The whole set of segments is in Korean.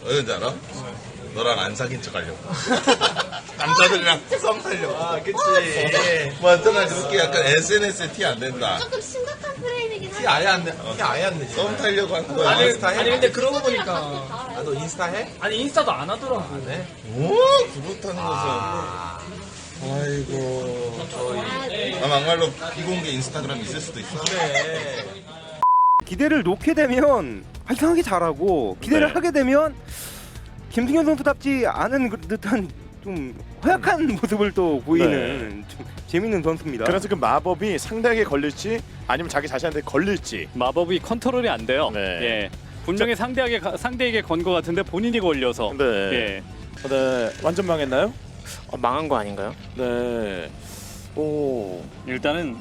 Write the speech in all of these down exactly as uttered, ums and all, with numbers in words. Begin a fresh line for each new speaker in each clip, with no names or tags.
왜인지 알아? 너랑 안 사귄 척 하려고. 남자들이랑 썸 타려고.
아, 그치.
완전한 그렇게 약간 에스엔에스에 티 안 낸다.
조금 심각한 프레임이긴
티 아예 안 내. 티 아예 안 내지.
썸 타려고 한 거야.
아니,
아니, 아니 근데 그러고 보니까
아, 너 인스타 해?
아니 인스타도 안 하더라고.
네.
오, 그렇다는
아.
것은. 아이고. 아, 막말로 비공개 인스타그램 있을 수도 있어.
그래.
기대를 놓게 되면 아, 이상하게 잘하고 기대를
네.
하게 되면 김승현 선수답지 않은 그 듯한 좀 허약한 모습을 또 보이는 좀 재밌는 선수입니다.
그래서 그 마법이 상대에게 걸릴지 아니면 자기 자신한테 걸릴지.
마법이 컨트롤이 안 돼요.
네.
예. 분명히 상대에게 가- 상대에게 건 것 같은데 본인이 걸려서.
네.
예.
네. 완전 망했나요?
어, 망한 거 아닌가요?
네. 오.
일단은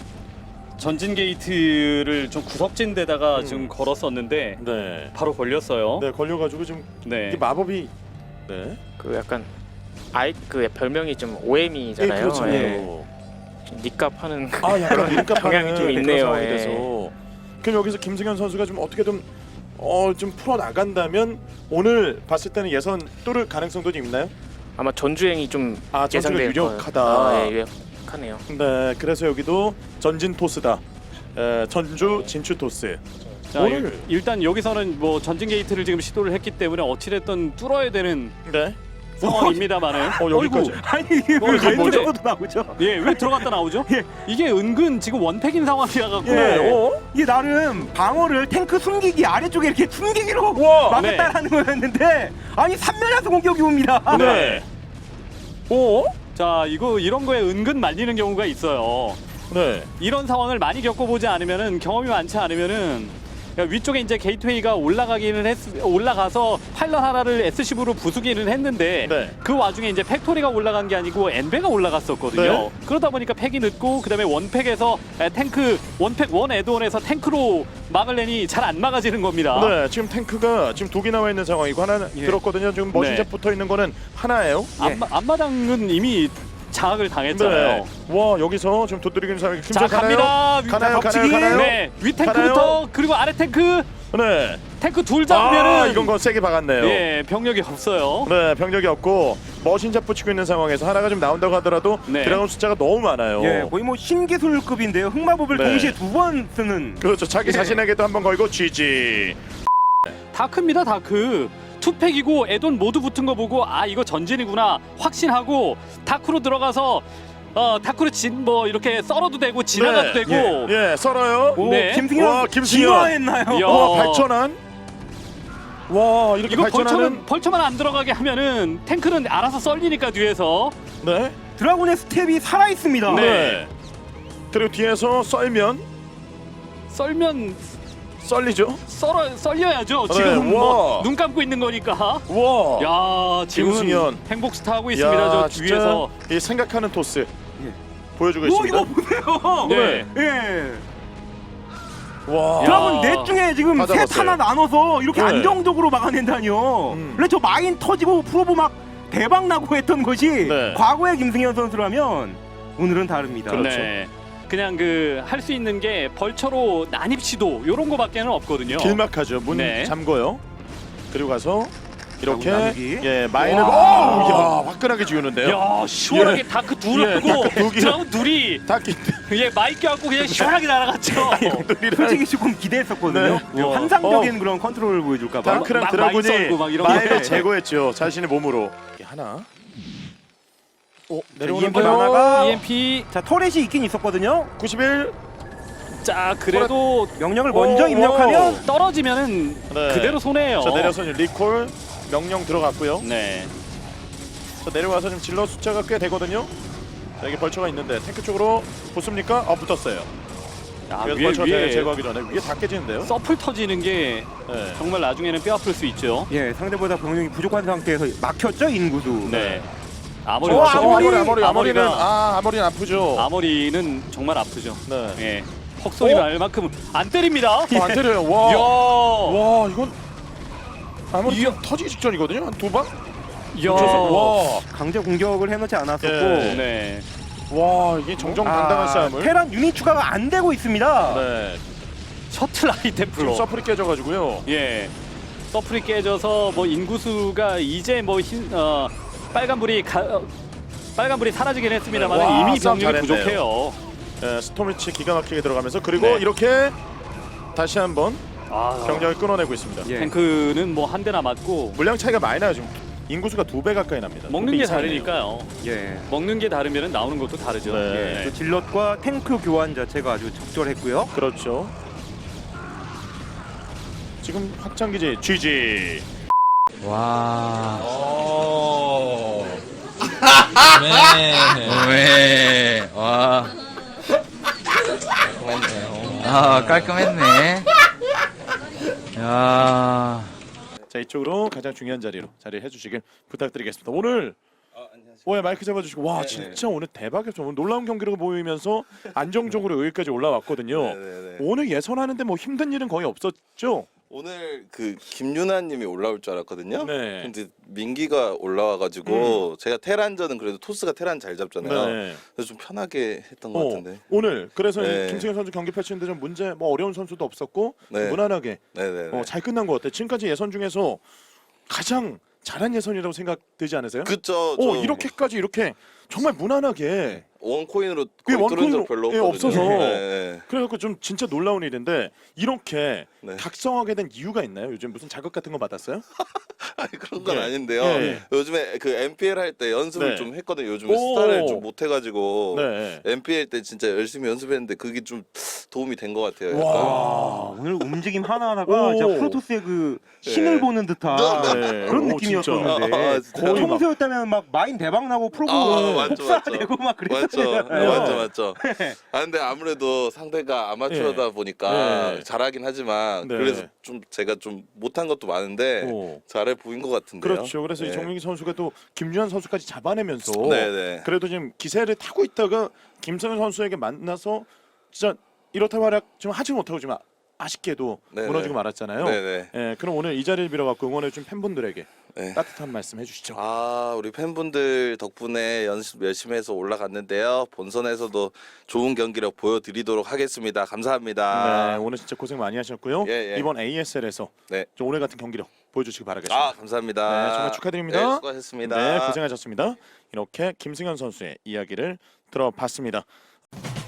전진 게이트를 좀 구석진 데다가
음.
지금 걸었었는데
네.
바로 걸렸어요.
네, 걸려가지고 지금
네.
이게 마법이. 네.
그 약간 아이 그 별명이 좀 오엠이잖아요.
예, 그렇죠.
예. 닉값 하는
아, 약간 민감하는
경향이 좀 있네요.
상황이
예.
돼서. 그럼 여기서 김승현 선수가 좀 어떻게 좀 어, 좀 풀어 나간다면 오늘 봤을 때는 예선 뚫을 가능성도 좀 있나요?
아마 전주행이 좀
아, 전주가
예상될
유력하다.
거예요. 아, 예, 유력하네요.
네, 그래서 여기도 전진 토스다. 에, 전주 진출 토스.
자,
오늘-
일, 일단 여기서는 뭐 전진 게이트를 지금 시도를 했기 때문에 어찌됐든 뚫어야 되는
네.
상황입니다만은.
어, 여기까지.
어이구.
아니 이게
어,
왜
이게 뭔데?
갈등적으로 나오죠?
예, 왜 들어갔다 나오죠?
예.
이게 은근 지금 원팩인 상황이라 갖고.
예.
어?
이게 나름 방어를 탱크 숨기기 아래쪽에 이렇게 숨기기로
우와.
막았다라는 거였는데 아니 삼면에서 공격이 옵니다.
네. 오?
자, 이거 이런 거에 은근 말리는 경우가 있어요.
네.
이런 상황을 많이 겪어보지 않으면은 경험이 많지 않으면은 위쪽에 이제 게이트웨이가 올라가기는 했 올라가서 파일럿 하나를 에스씨브로 부수기는 했는데
네.
그 와중에 이제 팩토리가 올라간 게 아니고 엔베가 올라갔었거든요.
네.
그러다 보니까 팩이 늦고 그다음에 원팩에서 에, 탱크 원팩 원 애드온에서 탱크로 막을래니 잘 안 막아지는 겁니다.
네, 지금 탱크가 지금 독이 나와 있는 상황이고 하나
예.
들었거든요. 지금 머신샷
네.
붙어 있는 거는 하나예요.
앞마, 앞마당은 이미 장악을 당했잖아요.
네. 와, 여기서 지금 도드리긴 상황이
자,
김철 가나요?
갑니다. 위-
가나요?
덮치기.
가나요? 가나요?
네, 위
가나요?
탱크부터 그리고 아래 탱크
네.
탱크 둘 잡으면은
아, 이건 거 세게 박았네요.
예, 병력이 없어요.
네, 병력이 없고 머신샷 붙이고 있는 상황에서 하나가 좀 나온다고 하더라도
네.
들어간 숫자가 너무 많아요.
예, 거의 뭐 신기술급인데요. 흑마법을
네.
동시에 두 번 쓰는.
그렇죠. 자기
예.
자신에게도 한번 걸고 지지.
다크입니다, 다크. 투팩이고 애돈 모두 붙은 거 보고 아 이거 전진이구나 확신하고 다크로 들어가서 어 다크로 진 뭐 이렇게 썰어도 되고 지나가도
네.
되고
예, 예, 썰어요.
오,
네.
김승현
와, 김승현.
진화했나요?
이야.
와, 발전한. 와, 이렇게
이거
발전하는.
벌처만 벌처만 안 들어가게 하면은 탱크는 알아서 썰리니까 뒤에서
네.
드라군의 스텝이 살아 있습니다.
네. 그리고 뒤에서 썰면
썰면
썰리죠.
썰어 썰려야죠.
네,
지금 뭐
와.
눈 감고 있는 거니까.
와.
야 지금은
김승현.
행복 스타 하고 있습니다.
야,
저
진짜
뒤에서.
이 생각하는 토스 보여주고
오,
있습니다.
이거 보세요.
네.
예.
와.
드라군 넷 중에 지금
다
셋
잡았어요.
하나 나눠서 이렇게
네.
안정적으로 막아낸다니요.
음.
원래 저 마인 터지고 프로보 막 대박 나고 했던 것이
네.
과거의 김승현 선수라면 오늘은 다릅니다.
그렇죠.
네. 그냥 그 할 수 있는 게 벌처로 난입 시도 요런 거밖에는 없거든요.
길막하죠. 문
네.
잠궈요. 그리고 가서 이렇게
자, 나누기.
예 마인을 오,
와.
야 화끈하게 지우는데요.
야 시원하게
예.
다크 둘
예,
하고
다크 두 개.
드라운 둘이
닭기
예 마이크 갖고 그냥 시원하게 날아갔죠.
솔직히 조금 기대했었거든요.
네.
어,
와.
환상적인 그런 컨트롤을 보여줄까봐.
다크랑
막
드라군이
마인 썰고 막 이런
마인을
거.
제거했죠. 자신의 몸으로. 이게 하나. 오 내려오는
이엠피
거요.
많아가-
이엠피
자 터렛이 있긴 있었거든요.
구십일.
자 그래도
명령을
오,
먼저
오.
입력하면
떨어지면은
네.
그대로 손해예요.
자 내려서 이제 리콜 명령 들어갔고요.
네.
자 내려와서 지금 질러 숫자가 꽤 되거든요. 자 이게 벌처가 있는데 탱크 쪽으로 붙습니까? 아 붙었어요.
아,
그래서
위에
벌처가
위에
제거하기 전에 위에 다 깨지는데요.
서플 터지는 게
네.
정말 나중에는 뼈 아플 수 있죠.
예 상대보다 병력이 부족한 상태에서 막혔죠 인구도.
네. 아머리
어,
와서
아머리
아머리,
아머리 아머리는
아머리가-
아 아머리는 아프죠.
아머리는 정말 아프죠.
네.
예. 헉소리
어?
날 만큼 안 때립니다.
어, 안 때려요. 와.
야.
와 이건 아무리
이야.
터지기 직전이거든요. 한 두 방?
야.
와.
강제 공격을 해놓지 않았었고.
예.
네.
와 이게 정정당당한 싸움을.
테란 유닛 추가가 안 되고 있습니다.
네.
셔틀
지금
아이템플로.
서플이 깨져가지고요.
예. 서플이 깨져서 뭐 인구수가 이제 뭐 흰, 어, 빨간불이 가, 어, 빨간불이 사라지긴 했습니다만
네, 와,
이미
싸움
병력이
잘했네요.
부족해요.
예, 스톰위치 기가 막히게 들어가면서 그리고
네.
이렇게 다시 한번
아,
경력을 끊어내고 있습니다.
예.
탱크는 뭐 한 대나 맞고
물량 차이가 많이 나요. 지금 인구수가 두 배 가까이 납니다.
먹는
두 배
게
이상이네요.
다르니까요.
예.
먹는 게 다르면 나오는 것도 다르죠.
네.
예.
또 질럿과 탱크 교환 자체가 아주 적절했고요.
그렇죠. 지금 확장기지 지지.
와.
오.
네.
왜? 와. 아 깔끔했네. 야.
자 이쪽으로 가장 중요한 자리로 자리를 해주시길 부탁드리겠습니다. 오늘 오해 마이크 잡아주시고 와 진짜 오늘 대박이었죠. 오늘 놀라운 경기를 보이면서 안정적으로 여기까지 올라왔거든요.
네네네.
오늘 예선하는데 뭐 힘든 일은 거의 없었죠.
오늘 그 김윤아님이 올라올 줄 알았거든요.
네.
근데 민기가 올라와가지고 제가 테란전은 그래도 토스가 테란 잘 잡잖아요.
네.
그래서 좀 편하게 했던 것
어,
같은데.
오늘 그래서
네.
김승현 선수 경기 펼치는데 좀 문제 뭐 어려운 선수도 없었고
네.
무난하게
네네.
어, 잘 끝난 것 같아요. 지금까지 예선 중에서 가장 잘한 예선이라고 생각되지 않으세요?
그쵸.
어
좀
이렇게까지 이렇게 정말 무난하게
원코인으로
그게
거의 뚫은 적
원코인으로-
별로
예,
없거든요.
없어서.
네.
그래갖고 좀 진짜 놀라운 일인데 이렇게
네.
각성하게 된 이유가 있나요? 요즘 무슨 자극 같은 거 받았어요?
아니 그런 건
예.
아닌데요.
예.
요즘에 그 엠피엘 할 때 연습을
네.
좀 했거든요. 요즘에
오.
스타를 좀 못해가지고
네.
엠피엘 때 진짜 열심히 연습했는데 그게 좀 도움이 된 것 같아요. 약간.
와.
아, 오늘 움직임 하나하나가
오.
진짜 프로토스의 그 신을
네.
보는 듯한
네.
그런
오,
느낌이었었는데
아, 진짜.
거의 막-
평소였다면 막 마인 대박 나고 프로브
아, 맞죠, 맞죠.
복사되고 막
맞죠,
그랬잖아요.
맞죠, 맞죠. 아 근데 아무래도 상대가 아마추어다 보니까
예.
잘하긴 하지만
네.
그래서 좀 제가 좀 못한 것도 많은데
오.
잘해 보인 것 같은데요.
그렇죠. 그래서 이
네.
정민기 선수가 또 김주환 선수까지 잡아내면서
네네.
그래도 지금 기세를 타고 있다가 김성현 선수에게 만나서 진짜 이렇다 말약 좀 하지 못하고 좀 아- 아쉽게도
네네.
무너지고 말았잖아요.
네네.
예, 그럼 오늘 이 자리를 빌어갖고 응원해준 팬분들에게
네.
따뜻한 말씀 해주시죠.
아 우리 팬분들 덕분에 연습 열심히 해서 올라갔는데요. 본선에서도 좋은 경기력 보여드리도록 하겠습니다. 감사합니다.
네, 오늘 진짜 고생 많이 하셨고요.
예, 예.
이번 에이에스엘에서
네.
좀 오늘 같은 경기력 보여주시기 바라겠습니다.
아 감사합니다.
네, 정말 축하드립니다.
네, 수고하셨습니다.
네, 고생하셨습니다. 이렇게 김승현 선수의 이야기를 들어봤습니다.